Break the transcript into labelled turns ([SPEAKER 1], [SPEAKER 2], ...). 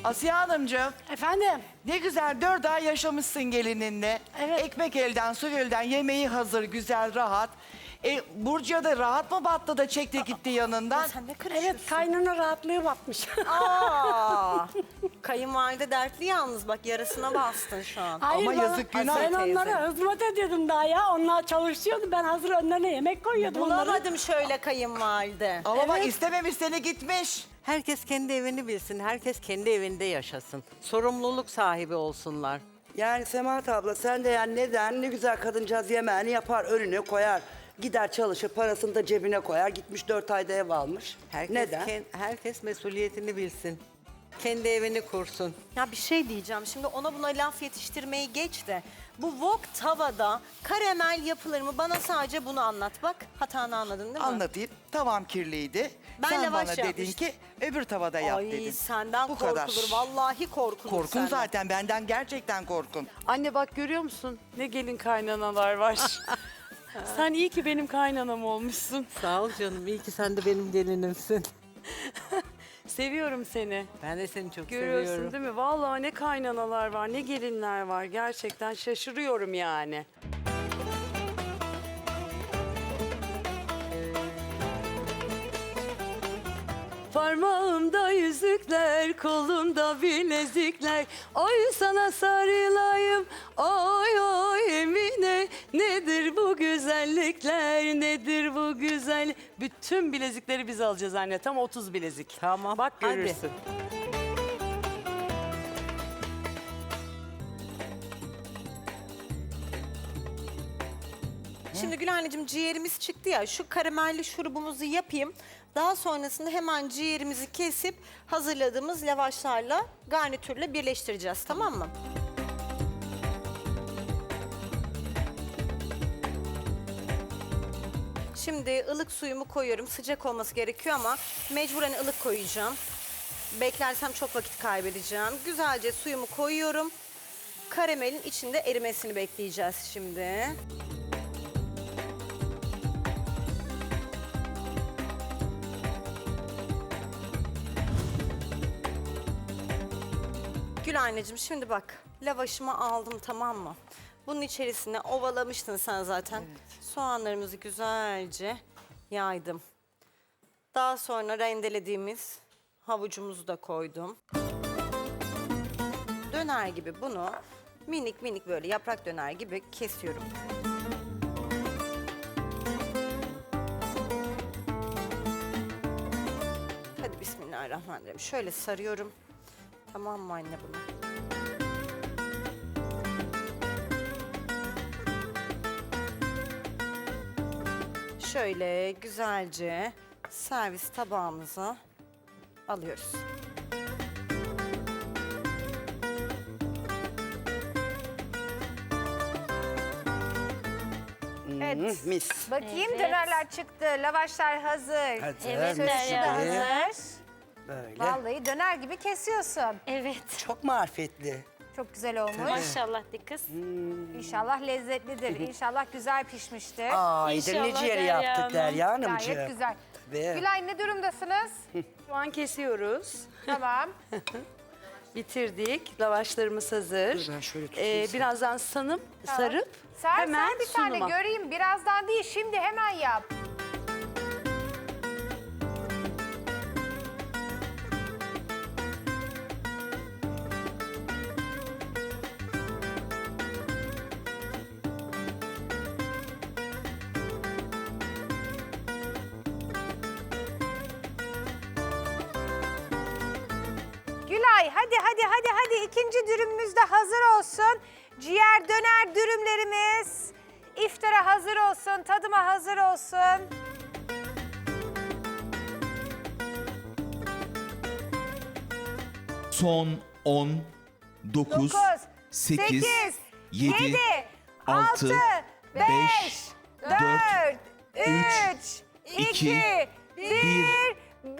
[SPEAKER 1] Asiye Hanımcığım,
[SPEAKER 2] Efendim?
[SPEAKER 1] ne güzel 4 ay yaşamışsın gelininle.
[SPEAKER 2] Evet.
[SPEAKER 1] Ekmek elden, su gölden, yemeği hazır, güzel, rahat. Burcu'ya da rahat mı battı da çekti gitti yanından?
[SPEAKER 3] Sen ne karışıyorsun?
[SPEAKER 2] Evet, kaynana rahatlığı batmış.
[SPEAKER 3] Aa, kayınvalide dertli yalnız bak yarısına bastın şu an.
[SPEAKER 1] Ama yazık, günah.
[SPEAKER 2] Ben
[SPEAKER 3] teyze.
[SPEAKER 2] onlara hizmet ediyordum daha ya. Onlar çalışıyordu. Ben hazır önlerine yemek koyuyordum onlara.
[SPEAKER 3] Bulamadım şöyle kayınvalide.
[SPEAKER 1] Ama bak istememiş seni gitmiş.
[SPEAKER 4] Herkes kendi evini bilsin, herkes kendi evinde yaşasın. Sorumluluk sahibi olsunlar.
[SPEAKER 5] Yani Semahat abla sen de yani neden ne güzel kadıncağız yemeğini yapar önüne koyar. Gider çalışır parasını da cebine koyar. Gitmiş 4 ayda ev almış. Neden?
[SPEAKER 4] Herkes mesuliyetini bilsin. Kendi evini kursun.
[SPEAKER 3] Ya bir şey diyeceğim şimdi ona buna laf yetiştirmeyi geç de. Bu wok tavada karamel yapılır mı? Bana sadece bunu anlat bak. Hatanı anladın değil mi?
[SPEAKER 1] Anlatayım. Tavam kirliydi.
[SPEAKER 3] Ben
[SPEAKER 1] Sen
[SPEAKER 3] lavaş
[SPEAKER 1] bana dedin
[SPEAKER 3] yapmıştım.
[SPEAKER 1] ki öbür tavada yap
[SPEAKER 3] Ay
[SPEAKER 1] dedin.
[SPEAKER 3] senden
[SPEAKER 1] Bu
[SPEAKER 3] korkulur.
[SPEAKER 1] kadar.
[SPEAKER 3] Vallahi korkulur
[SPEAKER 1] Korkun
[SPEAKER 3] senden.
[SPEAKER 1] zaten benden gerçekten korkun.
[SPEAKER 6] Anne bak görüyor musun? Ne gelin kaynanalar var. Sen iyi ki benim kaynanam olmuşsun.
[SPEAKER 4] Sağ ol canım, iyi ki sen de benim gelinimsin.
[SPEAKER 6] Seviyorum seni.
[SPEAKER 4] Ben de seni çok
[SPEAKER 6] Görüyorsun
[SPEAKER 4] seviyorum.
[SPEAKER 6] değil mi? Vallahi ne kaynanalar var, ne gelinler var. Gerçekten şaşırıyorum yani. Parmağımda yüzükler, kolumda bilezikler. Oy sana sarılayım, oy oy Emine. Nedir bu güzellikler, nedir bu güzel... Bütün bilezikleri biz alacağız anne, tam 30 bilezik.
[SPEAKER 4] Tamam,
[SPEAKER 6] Bak
[SPEAKER 4] hadi.
[SPEAKER 6] görürsün.
[SPEAKER 3] Şimdi Gülhan'cığım ciğerimiz çıktı ya şu karamelli şurubumuzu yapayım. Daha sonrasında hemen ciğerimizi kesip hazırladığımız lavaşlarla garnitürle birleştireceğiz tamam mı? Şimdi ılık suyumu koyuyorum. Sıcak olması gerekiyor ama mecburen ılık koyacağım. Beklersem çok vakit kaybedeceğim. Güzelce suyumu koyuyorum. Karamelin içinde erimesini bekleyeceğiz şimdi. Gül anneciğim şimdi bak lavaşımı aldım tamam mı? Bunun içerisine ovalamıştın sen zaten. Soğanlarımızı güzelce yaydım. Daha sonra rendelediğimiz havucumuzu da koydum. Döner gibi bunu minik minik böyle yaprak döner gibi kesiyorum. Hadi bismillahirrahmanirrahim. Şöyle sarıyorum. Tamam mı anne bunu? Şöyle güzelce servis tabağımıza alıyoruz.
[SPEAKER 7] Evet.
[SPEAKER 5] Mis.
[SPEAKER 7] Bakayım dönerler çıktı, lavaşlar hazır.
[SPEAKER 5] Hadi.
[SPEAKER 7] Evet, sözcü de hazır.
[SPEAKER 5] Böyle.
[SPEAKER 7] Vallahi döner gibi kesiyorsun.
[SPEAKER 8] Evet.
[SPEAKER 5] Çok marifetli.
[SPEAKER 7] Çok güzel olmuş.
[SPEAKER 8] Maşallah de kız.
[SPEAKER 7] İnşallah lezzetlidir. İnşallah güzel pişmiştir.
[SPEAKER 5] Aydır
[SPEAKER 8] İnşallah
[SPEAKER 5] ne ciğeri
[SPEAKER 8] Derya
[SPEAKER 5] yaptık
[SPEAKER 8] Hanım.
[SPEAKER 5] Derya Hanımcığım.
[SPEAKER 7] Gayet güzel.
[SPEAKER 5] Tabii.
[SPEAKER 7] Gülay ne durumdasınız?
[SPEAKER 6] Şu an kesiyoruz.
[SPEAKER 7] Tamam.
[SPEAKER 6] Bitirdik. Lavaşlarımız hazır.
[SPEAKER 5] Dur ben şöyle tutayım.
[SPEAKER 6] Birazdan sarıp
[SPEAKER 7] Sen
[SPEAKER 6] hemen
[SPEAKER 7] bir tane
[SPEAKER 6] sunuma.
[SPEAKER 7] göreyim. Birazdan değil, şimdi hemen yap. Gülay hadi ikinci dürümümüz de hazır olsun. Ciğer döner dürümlerimiz iftara hazır olsun, tadıma hazır olsun.
[SPEAKER 9] Son 10, 9, 8, 7, 6, 5, 4, 3, 2, 1.